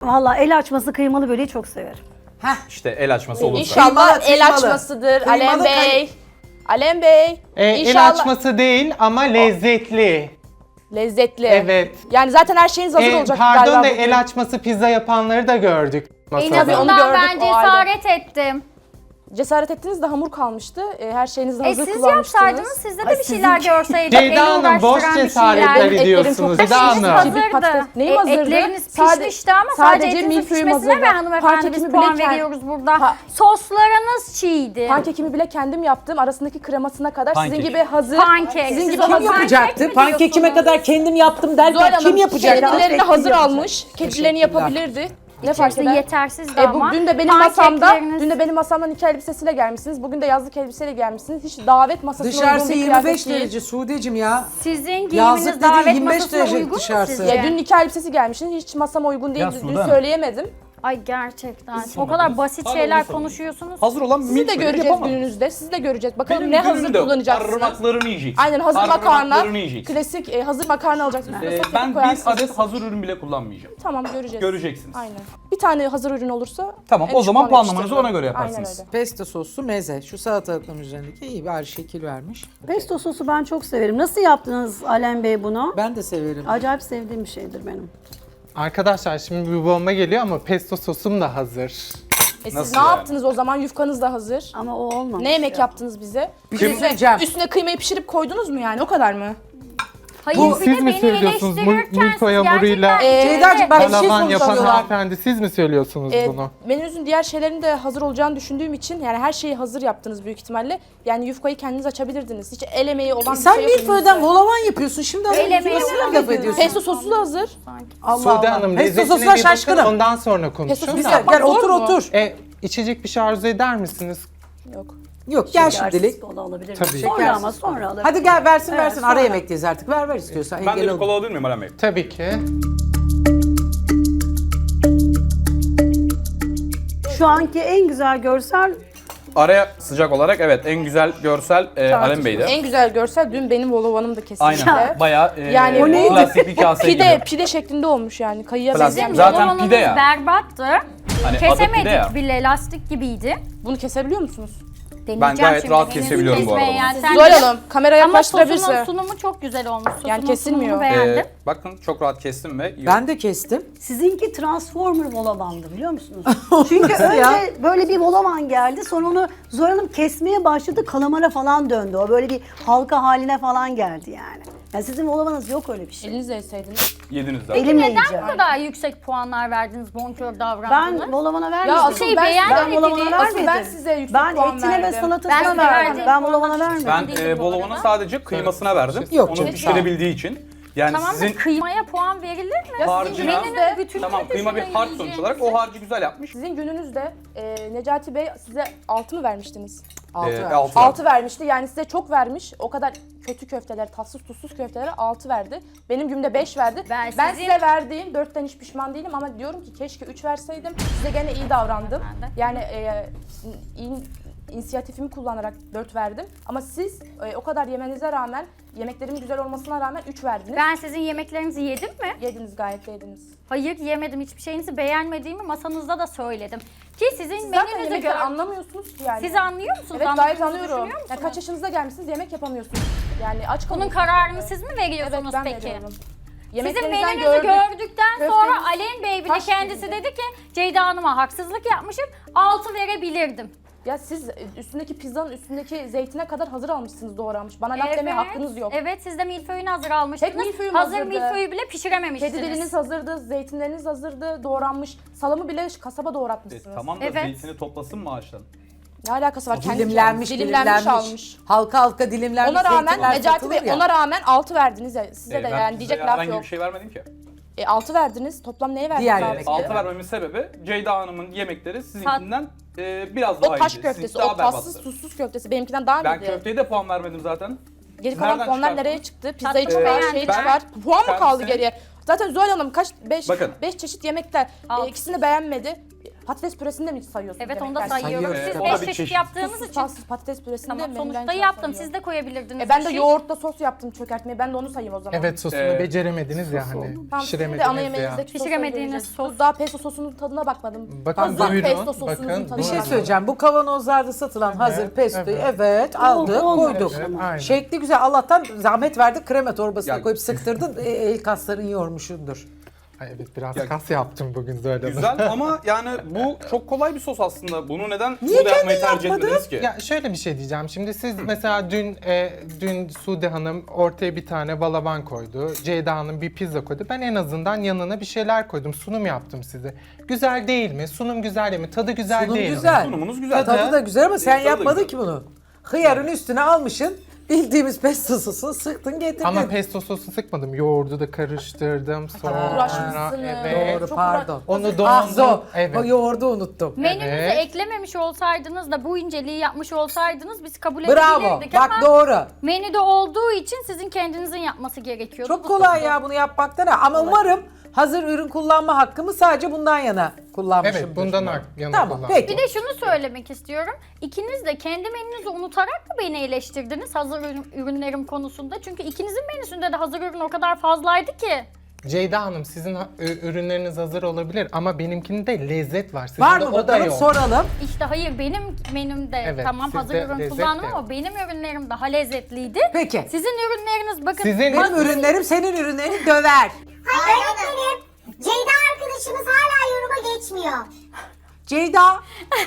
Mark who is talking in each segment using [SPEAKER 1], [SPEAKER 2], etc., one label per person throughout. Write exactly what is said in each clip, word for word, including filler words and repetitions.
[SPEAKER 1] Vallahi el açması kıymalı böreği çok severim.
[SPEAKER 2] Heh.
[SPEAKER 3] İşte el açması olursa.
[SPEAKER 4] İnşallah
[SPEAKER 2] Kıymalı,
[SPEAKER 4] el
[SPEAKER 2] kıymalı.
[SPEAKER 4] açmasıdır
[SPEAKER 2] Kıymalı
[SPEAKER 4] Alem Bey.
[SPEAKER 2] kay-
[SPEAKER 4] Alem Bey.
[SPEAKER 5] E, el
[SPEAKER 4] İnşallah
[SPEAKER 5] açması değil ama lezzetli.
[SPEAKER 4] lezzetli.
[SPEAKER 5] Evet.
[SPEAKER 4] Yani zaten her şeyiniz hazır
[SPEAKER 5] E,
[SPEAKER 4] olacak
[SPEAKER 5] pardon
[SPEAKER 4] galiba
[SPEAKER 5] da
[SPEAKER 4] bugün.
[SPEAKER 5] el açması pizza yapanları da gördük.
[SPEAKER 6] En
[SPEAKER 5] masada.
[SPEAKER 4] onu
[SPEAKER 6] azından
[SPEAKER 4] gördük,
[SPEAKER 6] ben
[SPEAKER 4] o ayrı.
[SPEAKER 6] cesaret ettim.
[SPEAKER 4] Cesaret ettiniz de hamur kalmıştı. E, her şeyinizi
[SPEAKER 6] E
[SPEAKER 4] hazır
[SPEAKER 6] siz
[SPEAKER 4] kullanmıştınız.
[SPEAKER 6] yapsaydınız sizde de bir şeyler görseydik.
[SPEAKER 5] Ceyda
[SPEAKER 6] eli
[SPEAKER 5] Hanım, boş
[SPEAKER 6] uğraştıran bir
[SPEAKER 5] cesaretler
[SPEAKER 6] şeyler.
[SPEAKER 4] Etlerim
[SPEAKER 5] ediyorsunuz.
[SPEAKER 4] çok
[SPEAKER 5] Ceyda
[SPEAKER 4] pişmiş.
[SPEAKER 5] Hanım.
[SPEAKER 4] Kibrit patates.
[SPEAKER 6] Hazırdı.
[SPEAKER 4] Neyim
[SPEAKER 6] E,
[SPEAKER 4] hazırdı?
[SPEAKER 6] etleriniz
[SPEAKER 4] Sade-
[SPEAKER 6] pişmişti ama sadece,
[SPEAKER 4] sadece
[SPEAKER 6] etinizin
[SPEAKER 4] milföyüm
[SPEAKER 6] pişmesine
[SPEAKER 4] hazırdı.
[SPEAKER 6] ve hanımefendi biz
[SPEAKER 4] Pankekimi
[SPEAKER 6] puan
[SPEAKER 4] bile kend-
[SPEAKER 6] veriyoruz burada.
[SPEAKER 4] Pa-
[SPEAKER 6] Soslarınız çiğdi.
[SPEAKER 4] Pankekimi bile kendim yaptım. Arasındaki kremasına kadar
[SPEAKER 3] Pankek.
[SPEAKER 4] sizin gibi hazır.
[SPEAKER 6] Pankek.
[SPEAKER 4] Sizin
[SPEAKER 6] Siz
[SPEAKER 4] gibi
[SPEAKER 6] o
[SPEAKER 2] Kim
[SPEAKER 4] hazır.
[SPEAKER 2] yapacaktı?
[SPEAKER 6] mi
[SPEAKER 2] Pankekime
[SPEAKER 6] diyorsunuz?
[SPEAKER 2] kadar kendim yaptım derken
[SPEAKER 4] Zuhal Hanım
[SPEAKER 2] kim yapacaktı?
[SPEAKER 4] kendilerini hazır
[SPEAKER 1] yapacak.
[SPEAKER 4] almış. Kendilerini yapabilirdi. Ne fark
[SPEAKER 6] İçerisi
[SPEAKER 4] eder?
[SPEAKER 6] yetersizdi
[SPEAKER 4] E, bu,
[SPEAKER 6] ama.
[SPEAKER 4] dün de benim masamda,
[SPEAKER 6] pankekleriniz-
[SPEAKER 4] dün de benim masamdan iki elbisesiyle gelmişsiniz. Bugün de yazlık elbiseyle gelmişsiniz. Hiç davet masasına
[SPEAKER 2] Dışarısı
[SPEAKER 4] uygun bir
[SPEAKER 2] yirmi beş
[SPEAKER 4] kıyafet değil.
[SPEAKER 2] derece Sude'cim ya.
[SPEAKER 6] Sizin
[SPEAKER 2] Yazlık
[SPEAKER 6] giyiminiz
[SPEAKER 2] dediğin
[SPEAKER 6] davet
[SPEAKER 2] yirmi beş
[SPEAKER 6] masasına
[SPEAKER 2] derece
[SPEAKER 6] uygun mu
[SPEAKER 2] dışarısı.
[SPEAKER 6] sizce?
[SPEAKER 4] Ya dün nikah elbisesi gelmişsiniz. Hiç masama uygun değil.
[SPEAKER 3] Ya
[SPEAKER 4] Dün
[SPEAKER 3] Sude Hanım.
[SPEAKER 4] söyleyemedim.
[SPEAKER 6] Ay gerçekten. O
[SPEAKER 3] Sonra
[SPEAKER 6] kadar
[SPEAKER 3] biz-
[SPEAKER 6] basit
[SPEAKER 3] Hala
[SPEAKER 6] şeyler
[SPEAKER 3] onu sorun.
[SPEAKER 6] konuşuyorsunuz.
[SPEAKER 3] Hazır olan
[SPEAKER 4] Sizi de
[SPEAKER 3] milföyü
[SPEAKER 4] göreceğiz
[SPEAKER 3] yapamam.
[SPEAKER 4] gününüzde. Sizi de göreceğiz. Bakalım
[SPEAKER 3] Benim
[SPEAKER 4] ne
[SPEAKER 3] günüm
[SPEAKER 4] hazır
[SPEAKER 3] de
[SPEAKER 4] kullanacaksınız.
[SPEAKER 3] parmaklarını yiyeceksin.
[SPEAKER 4] Aynen hazır makarna,
[SPEAKER 3] Parmaklarını yiyeceksin.
[SPEAKER 4] klasik e, hazır makarna alacaksınız.
[SPEAKER 3] Ee,
[SPEAKER 4] Üstüne sosu
[SPEAKER 3] ben bir
[SPEAKER 4] koyarsınız.
[SPEAKER 3] adet hazır ürün bile kullanmayacağım.
[SPEAKER 4] Tamam göreceğiz.
[SPEAKER 3] Göreceksiniz.
[SPEAKER 4] Aynen. Bir tane hazır ürün olursa
[SPEAKER 3] Tamam,
[SPEAKER 4] en
[SPEAKER 3] o
[SPEAKER 4] düşük
[SPEAKER 3] zaman
[SPEAKER 4] puanı
[SPEAKER 3] puanlamanızı
[SPEAKER 4] yetiştiririm.
[SPEAKER 3] ona göre
[SPEAKER 4] Aynen
[SPEAKER 3] yaparsınız.
[SPEAKER 4] öyle.
[SPEAKER 2] Pesto soslu meze. Şu salatalıkların üzerindeki iyi bari şekil vermiş.
[SPEAKER 1] Pesto sosu ben çok severim. Nasıl yaptınız Alem Bey bunu?
[SPEAKER 2] Ben de severim.
[SPEAKER 1] Acayip sevdiğim bir şeydir benim.
[SPEAKER 5] Arkadaşlar şimdi bir bomba geliyor ama pesto sosum da hazır.
[SPEAKER 4] E siz
[SPEAKER 3] Nasıl
[SPEAKER 4] ne
[SPEAKER 3] yani?
[SPEAKER 4] yaptınız o zaman? Yufkanız da hazır.
[SPEAKER 1] Ama o olmamış.
[SPEAKER 4] Ne yemek
[SPEAKER 1] ya.
[SPEAKER 4] yaptınız bize?
[SPEAKER 2] Bir şey
[SPEAKER 4] Üstüne-
[SPEAKER 2] söyleyeceğim.
[SPEAKER 4] Üstüne kıymayı pişirip koydunuz mu yani? O kadar mı?
[SPEAKER 6] Hayır
[SPEAKER 5] Bu
[SPEAKER 6] bir
[SPEAKER 5] siz
[SPEAKER 6] de
[SPEAKER 5] mi
[SPEAKER 6] beni
[SPEAKER 5] söylüyorsunuz? Mil-
[SPEAKER 6] eleştirirken
[SPEAKER 5] milföy
[SPEAKER 6] siz
[SPEAKER 5] hamuruyla-
[SPEAKER 6] gerçekten-
[SPEAKER 4] Ee,
[SPEAKER 2] Ceyda'cığım ben bir şey
[SPEAKER 5] Palavan yapan
[SPEAKER 2] konuşuyorum.
[SPEAKER 5] hanımefendi siz mi söylüyorsunuz
[SPEAKER 4] Ee,
[SPEAKER 5] bunu?
[SPEAKER 4] menünüzün diğer şeylerin de hazır olacağını düşündüğüm için yani her şeyi hazır yaptınız büyük ihtimalle. Yani yufkayı kendiniz açabilirdiniz. Hiç el emeği olan bir
[SPEAKER 2] Sen
[SPEAKER 4] şey yok
[SPEAKER 2] milföyden
[SPEAKER 4] elinizde.
[SPEAKER 2] volavan yapıyorsun. Şimdi az
[SPEAKER 6] El
[SPEAKER 2] önce
[SPEAKER 6] emeği
[SPEAKER 2] nasıl
[SPEAKER 6] olan
[SPEAKER 2] laf
[SPEAKER 6] bir
[SPEAKER 2] ediyorsun?
[SPEAKER 4] Pesto sosu da hazır.
[SPEAKER 2] Allah
[SPEAKER 5] Sude
[SPEAKER 2] Allah.
[SPEAKER 5] Hanım
[SPEAKER 2] Pesto
[SPEAKER 5] lezzetine
[SPEAKER 2] sosuna
[SPEAKER 5] bir bakın
[SPEAKER 2] şaşkınım.
[SPEAKER 5] ondan sonra
[SPEAKER 4] Pesto
[SPEAKER 5] konuşun.
[SPEAKER 4] sosu
[SPEAKER 2] Bir
[SPEAKER 5] da.
[SPEAKER 2] dakika gel
[SPEAKER 4] Zor
[SPEAKER 2] otur
[SPEAKER 4] mu?
[SPEAKER 2] otur.
[SPEAKER 5] E, içecek bir şey arzu eder misiniz?
[SPEAKER 4] Yok.
[SPEAKER 2] Yok gel
[SPEAKER 1] Şekersiz
[SPEAKER 2] şimdilik.
[SPEAKER 1] kola alabilirim.
[SPEAKER 5] Tabii.
[SPEAKER 1] Sonra
[SPEAKER 2] Şekersiz
[SPEAKER 1] ama sonra alabilirim.
[SPEAKER 2] Hadi gel versin
[SPEAKER 1] Evet,
[SPEAKER 2] versin.
[SPEAKER 1] sonra.
[SPEAKER 2] Ara yemekteyiz artık. Ver ver istiyorsan.
[SPEAKER 3] Ben de
[SPEAKER 2] Engel
[SPEAKER 3] bir
[SPEAKER 2] olma.
[SPEAKER 3] kola alabilir miyim Alem Bey?
[SPEAKER 5] Tabii ki.
[SPEAKER 1] Şu anki en güzel görsel
[SPEAKER 3] Araya sıcak olarak evet en güzel görsel e, Alem Bey'di.
[SPEAKER 4] En güzel görsel dün benim volovanım da kesinlikle.
[SPEAKER 3] Aynen. Bayağı e,
[SPEAKER 4] Yani o neydi?
[SPEAKER 3] plastik bir kase
[SPEAKER 4] Pide,
[SPEAKER 3] gibi.
[SPEAKER 4] pide şeklinde olmuş yani. Kayıya
[SPEAKER 3] Plastik.
[SPEAKER 4] benzeyen.
[SPEAKER 3] Zaten
[SPEAKER 6] Zaten
[SPEAKER 3] pide ya.
[SPEAKER 6] berbattı.
[SPEAKER 3] Hani adı pide ya.
[SPEAKER 6] Kesemedik bile, lastik gibiydi.
[SPEAKER 4] Bunu kesebiliyor musunuz?
[SPEAKER 6] Deneyeceğim
[SPEAKER 3] gayet
[SPEAKER 6] şimdi.
[SPEAKER 3] rahat
[SPEAKER 6] Henüz
[SPEAKER 3] kesebiliyorum bu arada
[SPEAKER 6] kesmeye
[SPEAKER 3] bunu.
[SPEAKER 6] Yani. Sen
[SPEAKER 4] Zuhal
[SPEAKER 6] de-
[SPEAKER 4] Hanım kamera
[SPEAKER 6] Ama sosunun
[SPEAKER 4] yaklaştırabilirse.
[SPEAKER 6] sunumu çok güzel olmuş. Sosunun
[SPEAKER 4] Yani kesilmiyor.
[SPEAKER 6] sunumunu beğendim.
[SPEAKER 3] E, bakın çok rahat kestim ve
[SPEAKER 2] Ben de kestim.
[SPEAKER 1] sizinki Transformer volavandı biliyor musunuz? Çünkü
[SPEAKER 2] Nasıl
[SPEAKER 1] önce
[SPEAKER 2] ya?
[SPEAKER 1] böyle bir volavan geldi sonra onu Zuhal Hanım kesmeye başladı kalamara falan döndü. O böyle bir halka haline falan geldi yani. Yani sizin volavanız yok öyle bir şey.
[SPEAKER 4] Elinizle yeseydiniz.
[SPEAKER 3] yediniz de.
[SPEAKER 1] Elimle
[SPEAKER 6] Neden
[SPEAKER 1] yiyeceğim.
[SPEAKER 6] bu kadar yüksek puanlar verdiniz, bonkör davrandınız?
[SPEAKER 1] Ben volavana vermedim.
[SPEAKER 4] Ya asıl
[SPEAKER 6] şey
[SPEAKER 4] ben,
[SPEAKER 6] beğenmediniz.
[SPEAKER 4] ben, volavana
[SPEAKER 6] Asıl
[SPEAKER 4] vermedim.
[SPEAKER 6] ben
[SPEAKER 4] ben size yüksek
[SPEAKER 1] Ben
[SPEAKER 4] puan
[SPEAKER 1] etine ve
[SPEAKER 4] verdim.
[SPEAKER 1] salatasına
[SPEAKER 6] Ben size
[SPEAKER 1] verdim.
[SPEAKER 6] verdiğim
[SPEAKER 1] Ben
[SPEAKER 6] puanlar
[SPEAKER 1] volavana
[SPEAKER 6] hiç
[SPEAKER 1] vermedim.
[SPEAKER 3] Ben
[SPEAKER 6] değildi
[SPEAKER 3] e,
[SPEAKER 6] bu
[SPEAKER 3] bolovanın
[SPEAKER 6] arada.
[SPEAKER 3] sadece kıymasına verdim.
[SPEAKER 2] Yok
[SPEAKER 3] Onu
[SPEAKER 2] canım,
[SPEAKER 3] pişirebildiği için. Yani
[SPEAKER 6] Tamam
[SPEAKER 3] sizin
[SPEAKER 6] da kıymaya puan verilir mi?
[SPEAKER 4] Ya sizin
[SPEAKER 3] harcına,
[SPEAKER 4] gününüzde,
[SPEAKER 6] bütününü
[SPEAKER 3] tamam kıyma bir
[SPEAKER 6] düşünün
[SPEAKER 3] harç sonuç
[SPEAKER 6] yiyeceğinizi.
[SPEAKER 3] olarak o harcı güzel yapmış.
[SPEAKER 4] sizin gününüzde e, Necati Bey size altı mı vermiştiniz?
[SPEAKER 2] Altı
[SPEAKER 3] E,
[SPEAKER 2] ver.
[SPEAKER 3] altı.
[SPEAKER 4] altı vermişti. Yani size çok vermiş. O kadar kötü köfteler, tatsız tuzsuz köftelere altı verdi. Benim günümde beş verdi.
[SPEAKER 6] Ben
[SPEAKER 4] Ben,
[SPEAKER 6] sizin-
[SPEAKER 4] size verdiğim dörtten hiç pişman değilim ama diyorum ki keşke üç verseydim. Size gene iyi davrandım.
[SPEAKER 6] Ben de.
[SPEAKER 4] Yani e, in- inisiyatifimi kullanarak dört verdim. Ama siz e, o kadar yemenize rağmen, yemeklerimin güzel olmasına rağmen üç verdiniz.
[SPEAKER 6] Ben sizin yemeklerinizi yedim mi?
[SPEAKER 4] Yediniz, gayet de yediniz.
[SPEAKER 6] Hayır yemedim. Hiçbir şeyinizi beğenmediğimi masanızda da söyledim. Ki sizin
[SPEAKER 4] Siz zaten
[SPEAKER 6] menünüzü
[SPEAKER 4] yemekleri
[SPEAKER 6] gör...
[SPEAKER 4] anlamıyorsunuz ki yani.
[SPEAKER 6] Siz anlıyor musunuz?
[SPEAKER 4] Evet, gayet
[SPEAKER 6] Anladığınızı
[SPEAKER 4] anlıyorum.
[SPEAKER 6] düşünüyor
[SPEAKER 4] Ya
[SPEAKER 6] musunuz?
[SPEAKER 4] kaç yaşınıza gelmişsiniz, yemek yapamıyorsunuz. Yani aç
[SPEAKER 6] Bunun
[SPEAKER 4] kalıyorsunuz.
[SPEAKER 6] kararını siz mi
[SPEAKER 4] Evet,
[SPEAKER 6] veriyorsunuz
[SPEAKER 4] ben
[SPEAKER 6] peki?
[SPEAKER 4] veriyorum.
[SPEAKER 6] Sizin
[SPEAKER 4] Yemeklerinizden
[SPEAKER 6] menünüzü
[SPEAKER 4] gördük.
[SPEAKER 6] gördükten
[SPEAKER 4] Köfteniz
[SPEAKER 6] sonra Alem Bey bile
[SPEAKER 4] taş
[SPEAKER 6] kendisi
[SPEAKER 4] gibiydi.
[SPEAKER 6] dedi ki Ceyda Hanım'a haksızlık yapmışım, altı verebilirdim.
[SPEAKER 4] Ya siz üstündeki pizzanın üstündeki zeytine kadar hazır almışsınız doğranmış. Bana laf demeye hakkınız yok.
[SPEAKER 6] Evet, siz de milföyünü hazır almıştınız.
[SPEAKER 4] Tek milföyüm
[SPEAKER 6] hazır
[SPEAKER 4] hazırdı.
[SPEAKER 6] milföyü bile pişirememiştiniz.
[SPEAKER 4] Kedi diliniz hazırdı, zeytinleriniz hazırdı, doğranmış. Salamı bile kasaba
[SPEAKER 3] E,
[SPEAKER 4] doğratmışsınız.
[SPEAKER 3] tamam da
[SPEAKER 6] Evet.
[SPEAKER 3] zeytini toplasın mı ağaçtan?
[SPEAKER 4] Ne alakası var? Kendi
[SPEAKER 2] Dilimlenmiş,
[SPEAKER 4] dilimlenmiş,
[SPEAKER 2] dilimlenmiş.
[SPEAKER 4] almış.
[SPEAKER 2] Halka halka dilimlenmiş
[SPEAKER 4] Ona rağmen
[SPEAKER 2] zeytinler
[SPEAKER 4] Necati Bey
[SPEAKER 2] satılır ya.
[SPEAKER 4] ona rağmen altı verdiniz ya. Size
[SPEAKER 3] E,
[SPEAKER 4] de
[SPEAKER 3] ben
[SPEAKER 4] yani
[SPEAKER 3] size
[SPEAKER 4] diyecek laf
[SPEAKER 3] herhangi
[SPEAKER 4] yok.
[SPEAKER 3] bir şey vermedim ki.
[SPEAKER 4] E, altı verdiniz. Toplam neye verdiniz?
[SPEAKER 2] Diğer
[SPEAKER 4] altı?
[SPEAKER 2] yemekler.
[SPEAKER 3] altı vermemin sebebi Ceyda Hanım'ın yemekleri sizinkinden e, biraz daha
[SPEAKER 4] O taş
[SPEAKER 3] iyiydi.
[SPEAKER 4] köftesi,
[SPEAKER 3] Sizinki daha
[SPEAKER 4] o tatsız
[SPEAKER 3] berbattı.
[SPEAKER 4] tuzsuz köftesi benimkinden daha
[SPEAKER 3] Ben
[SPEAKER 4] iyiydi.
[SPEAKER 3] köfteye de puan vermedim zaten.
[SPEAKER 4] Geri kalan
[SPEAKER 3] Nereden
[SPEAKER 4] puanlar
[SPEAKER 3] çıkardın?
[SPEAKER 4] nereye çıktı? Pizzayı
[SPEAKER 6] Tatlımı
[SPEAKER 4] çıkar,
[SPEAKER 6] beğendim
[SPEAKER 4] şeyi
[SPEAKER 6] ben.
[SPEAKER 4] çıkar. Puan mı kaldı
[SPEAKER 3] Kendisine-
[SPEAKER 4] geriye? Zaten Zuhal Hanım kaç? beş
[SPEAKER 3] Bakın.
[SPEAKER 4] beş çeşit yemekler.
[SPEAKER 6] Altı.
[SPEAKER 4] E, ikisini beğenmedi. Patates püresini de mi sayıyorsunuz?
[SPEAKER 6] Evet onu da
[SPEAKER 4] yemekler?
[SPEAKER 6] sayıyorum.
[SPEAKER 3] Sayıyoruz.
[SPEAKER 6] Siz
[SPEAKER 3] O da
[SPEAKER 6] beş
[SPEAKER 3] bir
[SPEAKER 6] çeşit
[SPEAKER 3] çeşit.
[SPEAKER 6] yaptığınız
[SPEAKER 4] Tuzsuz,
[SPEAKER 6] için.
[SPEAKER 4] tatsız patates püresini
[SPEAKER 6] Tamam
[SPEAKER 4] de
[SPEAKER 6] sonuçta
[SPEAKER 4] menüden
[SPEAKER 6] yaptım.
[SPEAKER 4] sayıyorum.
[SPEAKER 6] Siz de koyabilirdiniz.
[SPEAKER 4] E ben
[SPEAKER 6] bir
[SPEAKER 4] de
[SPEAKER 6] şey.
[SPEAKER 4] yoğurtla sos yaptım çökertmeyi. Ben de onu sayayım o zaman.
[SPEAKER 5] Evet sosunu
[SPEAKER 3] Ee,
[SPEAKER 5] beceremediniz ya hani.
[SPEAKER 4] Tamam, sizin de ana
[SPEAKER 5] Pişiremediniz ya.
[SPEAKER 4] yemeğinizdeki sosu
[SPEAKER 6] Pişiremediğiniz
[SPEAKER 4] göreceğiz.
[SPEAKER 6] sos.
[SPEAKER 4] Daha pesto sosunun tadına bakmadım.
[SPEAKER 5] Bakın
[SPEAKER 4] Hazır
[SPEAKER 5] buyurun,
[SPEAKER 4] pesto sosunuzun
[SPEAKER 5] bakın,
[SPEAKER 4] tadına
[SPEAKER 7] Bir şey
[SPEAKER 5] buyurun.
[SPEAKER 7] söyleyeceğim. Bu kavanozlarda satılan hazır pestoyu evet,
[SPEAKER 5] evet.
[SPEAKER 7] aldık,
[SPEAKER 1] Oh,
[SPEAKER 7] koyduk.
[SPEAKER 5] evet, aynen.
[SPEAKER 7] Şekli güzel. Allah'tan zahmet verdik. Krema torbasına
[SPEAKER 3] Ya-
[SPEAKER 7] koyup sıktırdın. E, el kasların yormuşundur.
[SPEAKER 5] Ay evet biraz
[SPEAKER 3] Ya-
[SPEAKER 5] kas yaptım bugün Zuhal Hanım.
[SPEAKER 3] Güzel ama yani bu çok kolay bir sos aslında. Bunu neden
[SPEAKER 7] Niye
[SPEAKER 3] burada yapmayı
[SPEAKER 7] kendin
[SPEAKER 3] tercih
[SPEAKER 7] yapmadın?
[SPEAKER 3] etmediniz ki?
[SPEAKER 5] Ya şöyle bir şey diyeceğim. Şimdi siz mesela dün e, dün Sude Hanım ortaya bir tane balaban koydu. Ceyda Hanım bir pizza koydu. Ben en azından yanına bir şeyler koydum. Sunum yaptım size. Güzel değil mi? Sunum güzel değil mi? Tadı güzel
[SPEAKER 7] Sunum
[SPEAKER 5] değil
[SPEAKER 7] güzel.
[SPEAKER 5] mi?
[SPEAKER 3] Sunumunuz güzel.
[SPEAKER 7] Tadı da güzel ama sen
[SPEAKER 3] Tadı da
[SPEAKER 7] yapmadın
[SPEAKER 3] güzel.
[SPEAKER 7] ki bunu. Hıyarın üstüne almışsın. Bildiğimiz pesto sosunu sıktın getirdin.
[SPEAKER 5] Ama pesto sosu sıkmadım. Yoğurdu da karıştırdım. Sonra
[SPEAKER 4] Uğraşmışsınız.
[SPEAKER 5] evet.
[SPEAKER 7] Doğru
[SPEAKER 4] Çok
[SPEAKER 7] pardon.
[SPEAKER 5] Onu
[SPEAKER 7] Ah zo.
[SPEAKER 5] dondum. Evet.
[SPEAKER 7] O yoğurdu unuttum.
[SPEAKER 6] Menünüze
[SPEAKER 5] Evet.
[SPEAKER 6] eklememiş olsaydınız da bu inceliği yapmış olsaydınız biz kabul
[SPEAKER 7] Bravo.
[SPEAKER 6] edebilirdik
[SPEAKER 7] Bak
[SPEAKER 6] ama
[SPEAKER 7] doğru.
[SPEAKER 6] menüde olduğu için sizin kendinizin yapması gerekiyordu.
[SPEAKER 7] Çok
[SPEAKER 6] Bu
[SPEAKER 7] kolay
[SPEAKER 6] sosu.
[SPEAKER 7] ya bunu yapmaktan. ha. Ama umarım hazır ürün kullanma hakkımı sadece bundan yana kullanmışımdır.
[SPEAKER 5] Evet bundan ar- yana
[SPEAKER 7] Tamam
[SPEAKER 5] kullandım.
[SPEAKER 7] peki.
[SPEAKER 6] Bir de şunu söylemek istiyorum. İkiniz de kendi menünüzü unutarak da beni eleştirdiniz hazır ürün- ürünlerim konusunda. Çünkü ikinizin menüsünde de hazır ürün o kadar fazlaydı ki.
[SPEAKER 5] Ceyda Hanım sizin ha- ü- ürünleriniz hazır olabilir ama benimkinde lezzet var. Sizin
[SPEAKER 7] Var
[SPEAKER 5] de
[SPEAKER 7] mı
[SPEAKER 5] o da
[SPEAKER 7] bakalım
[SPEAKER 5] yok.
[SPEAKER 7] soralım.
[SPEAKER 6] İşte hayır benim menümde
[SPEAKER 5] Evet,
[SPEAKER 6] tamam
[SPEAKER 5] sizde
[SPEAKER 6] hazır ürün
[SPEAKER 5] lezzet
[SPEAKER 6] kullandım
[SPEAKER 5] de yok.
[SPEAKER 6] ama benim ürünlerim daha lezzetliydi.
[SPEAKER 7] Peki.
[SPEAKER 6] Sizin ürünleriniz bakın.
[SPEAKER 5] Sizin
[SPEAKER 7] Benim ürünlerim senin ürünlerini döver.
[SPEAKER 8] Öğretmenim, Ceyda arkadaşımız hala yoruma geçmiyor.
[SPEAKER 7] Ceyda.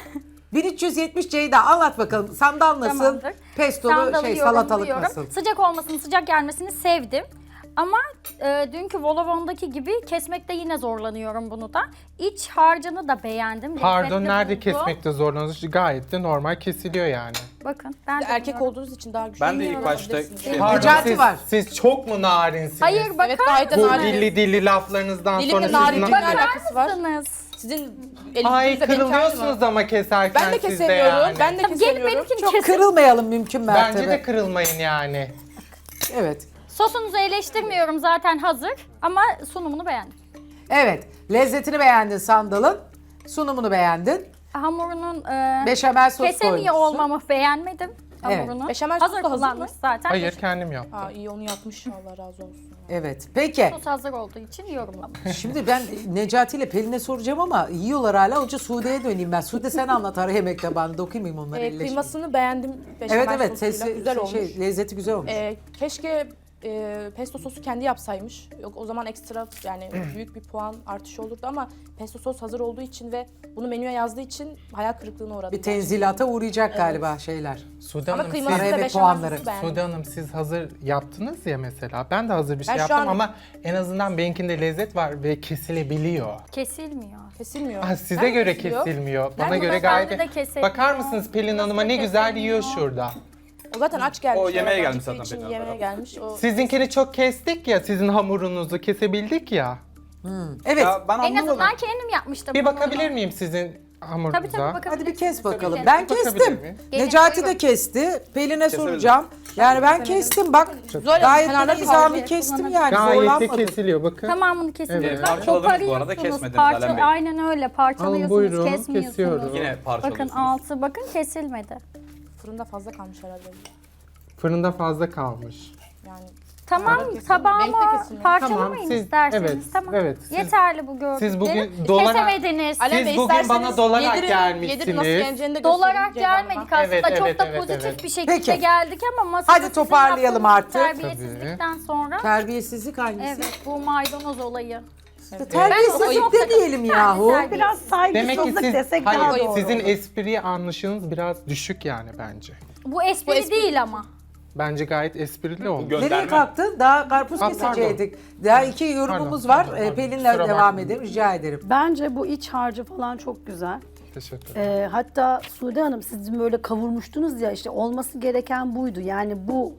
[SPEAKER 7] bin üç yüz yetmiş Ceyda anlat bakalım. Sandal nasıl?
[SPEAKER 6] Tamamdır.
[SPEAKER 7] Pestolu
[SPEAKER 6] Sandalı
[SPEAKER 7] şey salatalık
[SPEAKER 6] yorumluyorum.
[SPEAKER 7] nasıl?
[SPEAKER 6] Sıcak olmasını, sıcak gelmesini sevdim. Ama e, dünkü volavondaki gibi kesmekte yine zorlanıyorum bunu da. İç harcını da beğendim.
[SPEAKER 5] Pardon
[SPEAKER 6] lezzetli
[SPEAKER 5] nerede
[SPEAKER 6] buldum.
[SPEAKER 5] kesmekte zorlanıyorsunuz? Gayet de normal kesiliyor yani.
[SPEAKER 6] Bakın ben de
[SPEAKER 4] Erkek
[SPEAKER 6] bilmiyorum.
[SPEAKER 4] olduğunuz için daha güçlü.
[SPEAKER 3] Ben de ilk başta şey
[SPEAKER 5] Pardon
[SPEAKER 7] Necati
[SPEAKER 5] siz,
[SPEAKER 7] var.
[SPEAKER 5] siz çok mu narinsiniz?
[SPEAKER 6] Hayır bakar
[SPEAKER 4] Evet gayet de
[SPEAKER 5] Bu
[SPEAKER 4] narin.
[SPEAKER 5] dilli dilli laflarınızdan
[SPEAKER 4] Dilimle
[SPEAKER 5] sonra siz
[SPEAKER 4] narinlikle
[SPEAKER 5] na-
[SPEAKER 4] alakası var.
[SPEAKER 6] mısınız?
[SPEAKER 4] Sizin
[SPEAKER 5] Ay
[SPEAKER 4] elinizde benimki aynı
[SPEAKER 5] kırılıyorsunuz
[SPEAKER 4] mı?
[SPEAKER 5] ama keserken
[SPEAKER 4] Ben de
[SPEAKER 5] siz de
[SPEAKER 4] kesemiyorum.
[SPEAKER 5] yani.
[SPEAKER 4] Ben de
[SPEAKER 6] Tabii gelip
[SPEAKER 4] kesemiyorum.
[SPEAKER 6] benimkini
[SPEAKER 7] Çok
[SPEAKER 6] kesin.
[SPEAKER 7] kırılmayalım mümkün mertebe.
[SPEAKER 5] Bence de kırılmayın yani.
[SPEAKER 7] Evet.
[SPEAKER 6] Sosunuzu eleştirmiyorum zaten hazır ama sunumunu beğendim.
[SPEAKER 7] Evet. Lezzetini beğendin sandalın. Sunumunu beğendin.
[SPEAKER 6] Hamurunun e,
[SPEAKER 7] Beşamel sos
[SPEAKER 6] kesemiyor
[SPEAKER 7] koymuşsun.
[SPEAKER 6] olmamı beğendim.
[SPEAKER 7] Evet.
[SPEAKER 6] Hamurunu.
[SPEAKER 4] Beşamel
[SPEAKER 6] hazır
[SPEAKER 4] sos da hazır
[SPEAKER 6] kullanmış
[SPEAKER 4] mı?
[SPEAKER 6] zaten.
[SPEAKER 5] Hayır kendim yaptım.
[SPEAKER 4] Aa iyi onu yapmış. Allah razı olsun.
[SPEAKER 7] Evet. Peki.
[SPEAKER 6] Sos hazır olduğu için yorumlamış.
[SPEAKER 7] Şimdi ben Necati ile Pelin'e soracağım ama yiyorlar hala. Önce Sude'ye döneyim ben. Sude sen anlat ara yemek tabağını dokunmayayım onları
[SPEAKER 4] Ee,
[SPEAKER 7] elleşmeyin.
[SPEAKER 4] kıymasını beğendim. Beşamel
[SPEAKER 7] Evet evet
[SPEAKER 4] sosuyla.
[SPEAKER 7] sesi,
[SPEAKER 4] güzel olmuş.
[SPEAKER 7] şey, lezzeti güzel olmuş.
[SPEAKER 4] Ee, keşke e, pesto sosu kendi yapsaymış. Yok o zaman ekstra yani büyük bir puan artışı olurdu ama pesto sos hazır olduğu için ve bunu menüye yazdığı için hayal kırıklığına uğradım.
[SPEAKER 7] Bir tenzilata uğrayacak galiba şeyler.
[SPEAKER 5] Sude
[SPEAKER 4] Ama
[SPEAKER 5] Hanım,
[SPEAKER 4] kıyması
[SPEAKER 7] Ara
[SPEAKER 4] da
[SPEAKER 7] yemek
[SPEAKER 4] beşamel
[SPEAKER 7] puanları.
[SPEAKER 4] sosu beğendim.
[SPEAKER 5] Sude Hanım siz hazır yaptınız ya mesela. Ben de hazır bir şey
[SPEAKER 4] Ben şu
[SPEAKER 5] yaptım
[SPEAKER 4] an-
[SPEAKER 5] ama en azından benimkinde lezzet var ve kesilebiliyor.
[SPEAKER 6] Kesilmiyor.
[SPEAKER 4] Kesilmiyor.
[SPEAKER 5] Ah, size
[SPEAKER 4] Nerede
[SPEAKER 5] göre
[SPEAKER 4] kesiliyor?
[SPEAKER 5] kesilmiyor. Bana
[SPEAKER 6] Nerede?
[SPEAKER 5] göre
[SPEAKER 6] Bende
[SPEAKER 5] gayet...
[SPEAKER 6] de kesilmiyor.
[SPEAKER 5] Bakar mısınız Pelin Hanım'a ne
[SPEAKER 6] Nasıl
[SPEAKER 5] güzel
[SPEAKER 6] kesilmiyor?
[SPEAKER 5] yiyor şurada.
[SPEAKER 4] O zaten aç gelmiş.
[SPEAKER 3] O yemeğe
[SPEAKER 4] Oradan
[SPEAKER 3] gelmiş
[SPEAKER 4] çıktığı
[SPEAKER 3] zaten
[SPEAKER 4] için
[SPEAKER 3] Pelin
[SPEAKER 4] Yemeğe
[SPEAKER 3] Hanım.
[SPEAKER 4] gelmiş. O
[SPEAKER 5] Sizinkini çok kestik ya, sizin hamurunuzu kesebildik ya.
[SPEAKER 7] Evet.
[SPEAKER 3] Ya ben
[SPEAKER 6] En
[SPEAKER 3] anlamadım.
[SPEAKER 6] azından kendim yapmıştım.
[SPEAKER 5] Bir
[SPEAKER 6] hamurunu.
[SPEAKER 5] bakabilir miyim sizin hamurunuza?
[SPEAKER 6] Tabii tabii bakabilirsiniz.
[SPEAKER 7] Hadi bir kes bakalım.
[SPEAKER 6] Tabii.
[SPEAKER 7] Ben
[SPEAKER 5] Bakabilir
[SPEAKER 7] kestim.
[SPEAKER 5] miyim?
[SPEAKER 6] Gelin,
[SPEAKER 7] Necati de
[SPEAKER 6] buyurun.
[SPEAKER 7] kesti. Pelin'e soracağım. Yani ben kestim bak.
[SPEAKER 4] Zoyla,
[SPEAKER 7] Gayet
[SPEAKER 4] kenarda
[SPEAKER 7] de nizami
[SPEAKER 6] kaldı.
[SPEAKER 7] kestim yani.
[SPEAKER 5] Gayet de
[SPEAKER 7] Zorlanmadım.
[SPEAKER 5] kesiliyor bakın.
[SPEAKER 6] Tamamını kesmiyorsunuz.
[SPEAKER 5] Evet.
[SPEAKER 3] Parçaladınız bu arada, kesmediniz Alem Bey.
[SPEAKER 6] Aynen öyle
[SPEAKER 5] Alın
[SPEAKER 6] parçalıyorsunuz,
[SPEAKER 5] buyurun,
[SPEAKER 6] kesmiyorsunuz.
[SPEAKER 5] kesiyorum.
[SPEAKER 3] Yine
[SPEAKER 6] Bakın
[SPEAKER 3] parçalıyorsunuz.
[SPEAKER 6] altı bakın kesilmedi.
[SPEAKER 4] fırında fazla kalmış herhalde.
[SPEAKER 5] Fırında fazla kalmış.
[SPEAKER 4] Yani
[SPEAKER 6] Tamam
[SPEAKER 4] Benimki de
[SPEAKER 6] tabağıma
[SPEAKER 4] kesilmedi.
[SPEAKER 6] parçalamayın
[SPEAKER 5] Tamam, siz-
[SPEAKER 6] isterseniz.
[SPEAKER 5] evet,
[SPEAKER 6] tamam.
[SPEAKER 5] evet, siz-
[SPEAKER 6] Yeterli bu gördüklerim.
[SPEAKER 5] siz bugün dolara-
[SPEAKER 6] Kesemediniz.
[SPEAKER 4] Alem
[SPEAKER 5] Siz
[SPEAKER 4] Bey,
[SPEAKER 5] bugün
[SPEAKER 4] isterseniz
[SPEAKER 5] bana dolarak
[SPEAKER 4] yedirin-
[SPEAKER 5] gelmişsiniz.
[SPEAKER 4] Yedirin nasıl geleceğini de
[SPEAKER 6] Dolarak
[SPEAKER 4] göstereyim Ceyda
[SPEAKER 6] gelmedik
[SPEAKER 4] Hanım'a.
[SPEAKER 6] aslında
[SPEAKER 5] Evet,
[SPEAKER 6] çok
[SPEAKER 5] evet,
[SPEAKER 6] da
[SPEAKER 5] evet,
[SPEAKER 6] pozitif
[SPEAKER 5] evet.
[SPEAKER 6] bir şekilde
[SPEAKER 7] Peki.
[SPEAKER 6] geldik ama masada
[SPEAKER 7] Hadi
[SPEAKER 6] sizin
[SPEAKER 7] toparlayalım
[SPEAKER 6] yaptığınız
[SPEAKER 7] artık.
[SPEAKER 6] terbiyesizlikten sonra
[SPEAKER 7] Terbiyesizlik hangisi?
[SPEAKER 6] evet bu maydanoz olayı.
[SPEAKER 7] Terbiyesizlik
[SPEAKER 6] Ben-
[SPEAKER 7] demeyelim yahu.
[SPEAKER 6] Terbiyesiz.
[SPEAKER 1] Biraz
[SPEAKER 5] Demek ki
[SPEAKER 1] saygısızlık
[SPEAKER 5] siz,
[SPEAKER 1] desek daha
[SPEAKER 5] hayır,
[SPEAKER 1] doğru
[SPEAKER 5] sizin
[SPEAKER 1] olur.
[SPEAKER 5] espriye anlayışınız biraz düşük yani bence.
[SPEAKER 6] Bu espri,
[SPEAKER 4] Bu espri-
[SPEAKER 6] değil ama.
[SPEAKER 5] Bence gayet esprili oldu.
[SPEAKER 3] Gönderme.
[SPEAKER 7] Nereye kalktın? Daha karpuz
[SPEAKER 5] Aa,
[SPEAKER 7] kesecektik. Daha iki yorumumuz
[SPEAKER 5] Pardon,
[SPEAKER 7] var.
[SPEAKER 5] pardon,
[SPEAKER 7] Ee,
[SPEAKER 5] pardon.
[SPEAKER 7] Pelin'le
[SPEAKER 5] Kusura
[SPEAKER 7] devam
[SPEAKER 5] bakmayın.
[SPEAKER 7] edelim. Rica ederim.
[SPEAKER 1] Bence bu iç harcı falan çok güzel.
[SPEAKER 5] Teşekkür ederim.
[SPEAKER 1] Ee, hatta Sude Hanım siz böyle kavurmuştunuz ya işte olması gereken buydu. Yani bu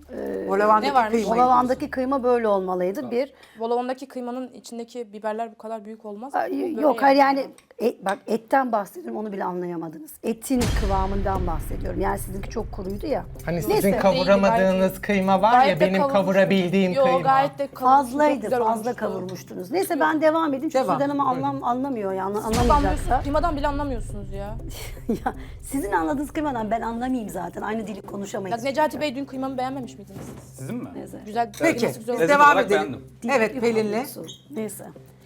[SPEAKER 7] O lavandaki
[SPEAKER 4] Ne varmış?
[SPEAKER 7] kıymayı.
[SPEAKER 1] olavandaki kıyma böyle olmalıydı. Bir
[SPEAKER 4] Volavondaki kıymanın içindeki biberler bu kadar büyük olmaz.
[SPEAKER 1] Ay,
[SPEAKER 4] Bu böyle
[SPEAKER 1] yok hayır yani Et, bak etten bahsediyorum, onu bile anlayamadınız. Etin kıvamından bahsediyorum. Yani sizinki çok kuruydu ya.
[SPEAKER 5] Hani sizin
[SPEAKER 1] Neyse.
[SPEAKER 5] kavuramadığınız kıyma var ya,
[SPEAKER 4] Gayet de
[SPEAKER 5] benim
[SPEAKER 4] kavurmuş-
[SPEAKER 5] kavurabildiğim
[SPEAKER 4] Yo,
[SPEAKER 5] kıyma.
[SPEAKER 4] gayet de kavurmuş, çok
[SPEAKER 1] Fazlaydı,
[SPEAKER 4] güzel
[SPEAKER 1] fazla
[SPEAKER 4] olmuştu.
[SPEAKER 1] kavurmuştunuz. Neyse ben devam edeyim çünkü
[SPEAKER 7] Devam.
[SPEAKER 1] Sude Hanım anlam, anlamıyor ya, anla-
[SPEAKER 4] Anlamıyorsunuz.
[SPEAKER 1] anlamayacaksa.
[SPEAKER 4] Kıymadan bile anlamıyorsunuz ya.
[SPEAKER 1] Ya sizin anladığınız kıymadan ben anlamayayım zaten. Aynı dili
[SPEAKER 4] Ya
[SPEAKER 1] konuşamayız.
[SPEAKER 4] Necati Bey dün kıymamı beğenmemiş miydiniz?
[SPEAKER 3] Sizin mi?
[SPEAKER 1] Neyse.
[SPEAKER 4] Güzel.
[SPEAKER 7] Peki,
[SPEAKER 4] kıyması güzel
[SPEAKER 7] biz
[SPEAKER 4] olmuş.
[SPEAKER 7] devam
[SPEAKER 3] olarak
[SPEAKER 7] edelim.
[SPEAKER 3] beğendim.
[SPEAKER 7] Evet,
[SPEAKER 1] Değil,
[SPEAKER 7] Pelin'le.
[SPEAKER 1] hamurlusu. Neyse.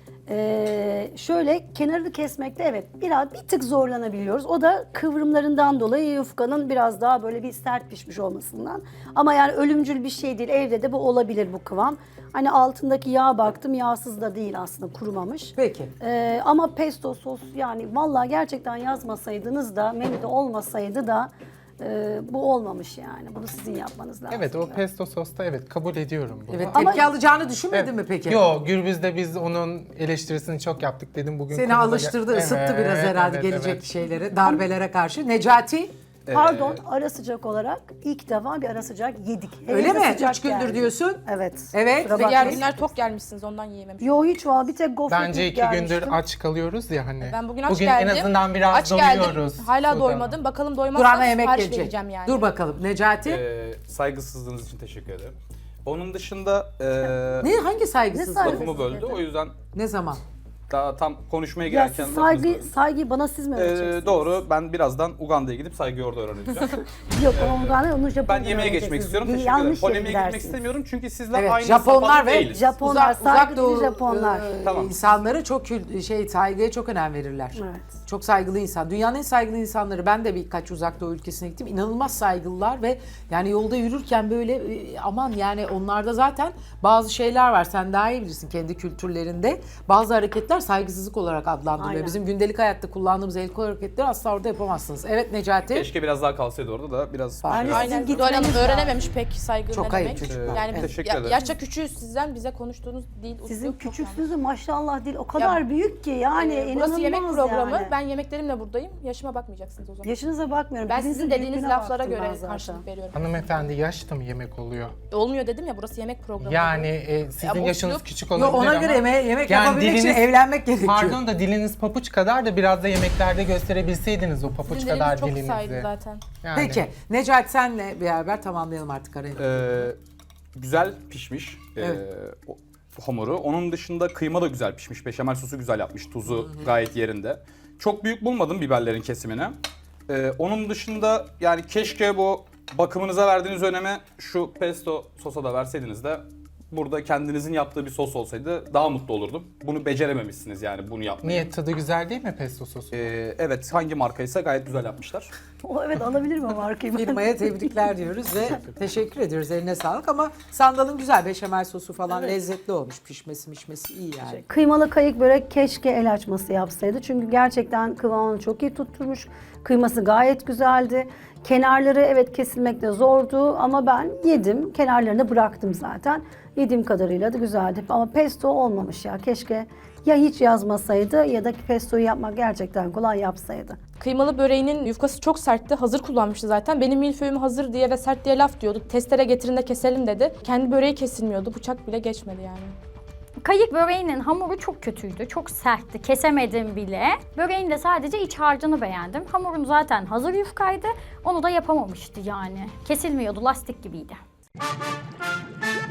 [SPEAKER 1] Ee, şöyle kenarını kesmekte evet biraz bir tık zorlanabiliyoruz. O da kıvrımlarından dolayı yufkanın biraz daha böyle bir sert pişmiş olmasından. Ama yani ölümcül bir şey değil. Evde de bu olabilir bu kıvam. Hani altındaki yağa baktım, yağsız da değil aslında, kurumamış.
[SPEAKER 7] Peki.
[SPEAKER 1] Ee, ama pesto sos yani vallahi gerçekten yazmasaydınız da menüde olmasaydı da e, bu olmamış yani. Bunu sizin yapmanız lazım.
[SPEAKER 5] Evet, o pesto sosta evet kabul ediyorum bunu.
[SPEAKER 7] Evet,
[SPEAKER 1] Ama-
[SPEAKER 7] tepki alacağını düşünmedin mi peki?
[SPEAKER 5] Yo, Gürbüz'de biz onun eleştirisini çok yaptık dedim bugün.
[SPEAKER 7] Seni
[SPEAKER 5] konuda-
[SPEAKER 7] alıştırdı, ısıttı
[SPEAKER 5] Evet,
[SPEAKER 7] biraz herhalde
[SPEAKER 5] evet,
[SPEAKER 7] gelecek
[SPEAKER 5] evet.
[SPEAKER 7] şeylere, darbelere karşı. Necati,
[SPEAKER 1] Pardon, ara sıcak olarak ilk defa bir ara sıcak yedik.
[SPEAKER 7] öyle
[SPEAKER 1] Hem de
[SPEAKER 7] mi?
[SPEAKER 1] sıcak
[SPEAKER 7] Üç gündür
[SPEAKER 1] geldi.
[SPEAKER 7] diyorsun.
[SPEAKER 1] Evet.
[SPEAKER 7] Evet.
[SPEAKER 1] Kusura
[SPEAKER 7] Ve
[SPEAKER 4] Ve diğer
[SPEAKER 1] bakmayın.
[SPEAKER 4] günler tok gelmişsiniz ondan yiyememişim.
[SPEAKER 1] Yo hiç var, bir tek gofret
[SPEAKER 5] Bence
[SPEAKER 1] yiyip
[SPEAKER 5] iki gündür
[SPEAKER 1] gelmiştim.
[SPEAKER 5] aç kalıyoruz ya hani.
[SPEAKER 4] Ben bugün aç
[SPEAKER 5] bugün
[SPEAKER 4] geldim.
[SPEAKER 5] en azından biraz
[SPEAKER 4] aç geldim.
[SPEAKER 5] doyuyoruz.
[SPEAKER 4] Hala
[SPEAKER 5] Sudan.
[SPEAKER 4] doymadım. Bakalım doymazsam
[SPEAKER 7] Durana yemek
[SPEAKER 4] sipariş
[SPEAKER 7] gelecek.
[SPEAKER 4] vereceğim yani.
[SPEAKER 7] Dur bakalım. Necati.
[SPEAKER 3] Ee, saygısızlığınız için teşekkür ederim. Onun dışında e,
[SPEAKER 7] ne hangi saygısızlık?
[SPEAKER 1] Ne
[SPEAKER 3] lafımı böldü. O yüzden
[SPEAKER 7] Ne zaman?
[SPEAKER 3] daha tam konuşmaya
[SPEAKER 1] Ya
[SPEAKER 3] girerken
[SPEAKER 1] siz
[SPEAKER 3] lafınızı
[SPEAKER 1] saygı,
[SPEAKER 3] böldüm.
[SPEAKER 1] saygıyı bana siz mi
[SPEAKER 3] Ee,
[SPEAKER 1] öğreteceksiniz?
[SPEAKER 3] doğru. Ben birazdan Uganda'ya gidip saygıyı orada öğreneceğim.
[SPEAKER 1] Yok onu Uganda, onu Japon'dan
[SPEAKER 3] Ben yemeğe geçmek
[SPEAKER 1] öğreneceksiniz.
[SPEAKER 3] istiyorum.
[SPEAKER 1] Bir
[SPEAKER 3] Teşekkür ederim.
[SPEAKER 1] yanlış yere
[SPEAKER 3] Polemiğe girmek
[SPEAKER 1] gidersiniz.
[SPEAKER 3] istemiyorum çünkü sizler
[SPEAKER 7] Evet,
[SPEAKER 3] aynı
[SPEAKER 7] Japonlar
[SPEAKER 3] safhada
[SPEAKER 7] ve
[SPEAKER 3] değiliz.
[SPEAKER 1] Japonlar,
[SPEAKER 7] Uzak, uzak
[SPEAKER 1] saygı
[SPEAKER 7] doğu
[SPEAKER 1] dili Japonlar.
[SPEAKER 7] e,
[SPEAKER 3] Tamam.
[SPEAKER 7] insanları çok kül- şey saygıya çok önem verirler.
[SPEAKER 1] Evet.
[SPEAKER 7] Çok saygılı insan. Dünyanın en saygılı insanları. Ben de birkaç uzak doğu ülkesine gittim. İnanılmaz saygılılar ve yani yolda yürürken böyle e, aman yani onlarda zaten bazı şeyler var. Sen daha iyi bilirsin kendi kültürlerinde. Bazı hareketler saygısızlık olarak adlandırılıyor.
[SPEAKER 1] Aynen.
[SPEAKER 7] Bizim gündelik hayatta kullandığımız el kol hareketleri asla orada yapamazsınız. Evet Necati.
[SPEAKER 3] Keşke biraz daha kalsaydı orada da biraz.
[SPEAKER 7] Aynen.
[SPEAKER 3] Biraz-
[SPEAKER 4] Aynen.
[SPEAKER 1] Sizin
[SPEAKER 4] Doğru Hanım
[SPEAKER 1] gitmeniz
[SPEAKER 4] öğrenememiş pek saygı
[SPEAKER 7] Çok
[SPEAKER 4] ne
[SPEAKER 7] ayıp
[SPEAKER 4] demek.
[SPEAKER 7] çocuklar.
[SPEAKER 4] Yani
[SPEAKER 3] Evet.
[SPEAKER 4] biz-
[SPEAKER 3] Teşekkür
[SPEAKER 4] ya-
[SPEAKER 3] ederim.
[SPEAKER 4] yaşça küçüğüz sizden, bize konuştuğunuz dil,
[SPEAKER 1] Sizin
[SPEAKER 4] üslup çok
[SPEAKER 1] küçüksünüz de maşallah değil o kadar
[SPEAKER 4] Ya,
[SPEAKER 1] büyük ki yani
[SPEAKER 4] Ee,
[SPEAKER 1] inanılmaz
[SPEAKER 4] Burası yemek programı.
[SPEAKER 1] yani.
[SPEAKER 4] Ben yemeklerimle buradayım. Yaşıma bakmayacaksınız o zaman.
[SPEAKER 1] Yaşınıza bakmıyorum.
[SPEAKER 4] Ben
[SPEAKER 1] Dilinizin
[SPEAKER 4] sizin dediğiniz
[SPEAKER 1] büyüklüğüne
[SPEAKER 4] laflara
[SPEAKER 1] baktım ben
[SPEAKER 4] göre
[SPEAKER 1] zaten.
[SPEAKER 4] karşılık veriyorum.
[SPEAKER 5] Hanımefendi yaş da mı yemek oluyor?
[SPEAKER 4] Olmuyor dedim ya, burası yemek programı.
[SPEAKER 5] Yani e, sizin
[SPEAKER 4] Ya bu
[SPEAKER 5] yaşınız
[SPEAKER 4] üslup-
[SPEAKER 5] küçük
[SPEAKER 7] Yo,
[SPEAKER 5] olabilir
[SPEAKER 7] ona
[SPEAKER 5] ama.
[SPEAKER 7] göre yeme- yemek
[SPEAKER 5] Yani
[SPEAKER 7] yapabilmek için
[SPEAKER 5] diliniz-
[SPEAKER 7] evlenmek gerekiyor.
[SPEAKER 5] Pardon da diliniz papuç kadar da biraz da yemeklerde gösterebilseydiniz o papuç
[SPEAKER 4] Sizin
[SPEAKER 5] kadar
[SPEAKER 4] diliniz çok
[SPEAKER 5] dilinizi.
[SPEAKER 4] saydı zaten.
[SPEAKER 5] Yani.
[SPEAKER 7] Peki Necati senle beraber tamamlayalım artık arayı.
[SPEAKER 3] Ee, güzel pişmiş ee,
[SPEAKER 7] Evet.
[SPEAKER 3] o- hamuru. Onun dışında kıyma da güzel pişmiş. Beşamel sosu güzel yapmış. Tuzu gayet yerinde. Çok büyük bulmadım biberlerin kesimini. Ee, onun dışında yani keşke bu bakımınıza verdiğiniz öneme şu pesto sosa da verseydiniz de burada kendinizin yaptığı bir sos olsaydı daha mutlu olurdum. Bunu becerememişsiniz yani bunu yapmayı.
[SPEAKER 5] Niye, tadı güzel değil mi pesto sosu?
[SPEAKER 3] Ee, evet, hangi markaysa gayet güzel yapmışlar.
[SPEAKER 1] O evet, alabilir mi markayı?
[SPEAKER 7] Firmaya tebrikler diyoruz ve teşekkür ediyoruz. Eline sağlık ama sandalın güzel beşamel sosu falan lezzetli olmuş. Pişmesi mişmesi iyi yani.
[SPEAKER 1] Kıymalı kayık börek keşke el açması yapsaydı. Çünkü gerçekten kıvamını çok iyi tutturmuş. Kıyması gayet güzeldi. Kenarları evet kesilmekte zordu ama ben yedim. Kenarlarını bıraktım zaten. Yediğim kadarıyla da güzeldi. Ama pesto olmamış ya. Keşke ya hiç yazmasaydı ya da pestoyu yapmak gerçekten kolay yapsaydı.
[SPEAKER 4] Kıymalı böreğinin yufkası çok sertti. Hazır kullanmıştı zaten. Benim milföyüm hazır diye ve sert diye laf diyordu. Testere getirin de keselim dedi. Kendi böreği kesilmiyordu. Bıçak bile geçmedi yani.
[SPEAKER 6] Kayık böreğinin hamuru çok kötüydü, çok sertti, kesemedim bile. Böreğin de sadece iç harcını beğendim. Hamurun zaten hazır yufkaydı, onu da yapamamıştı yani. Kesilmiyordu, lastik gibiydi.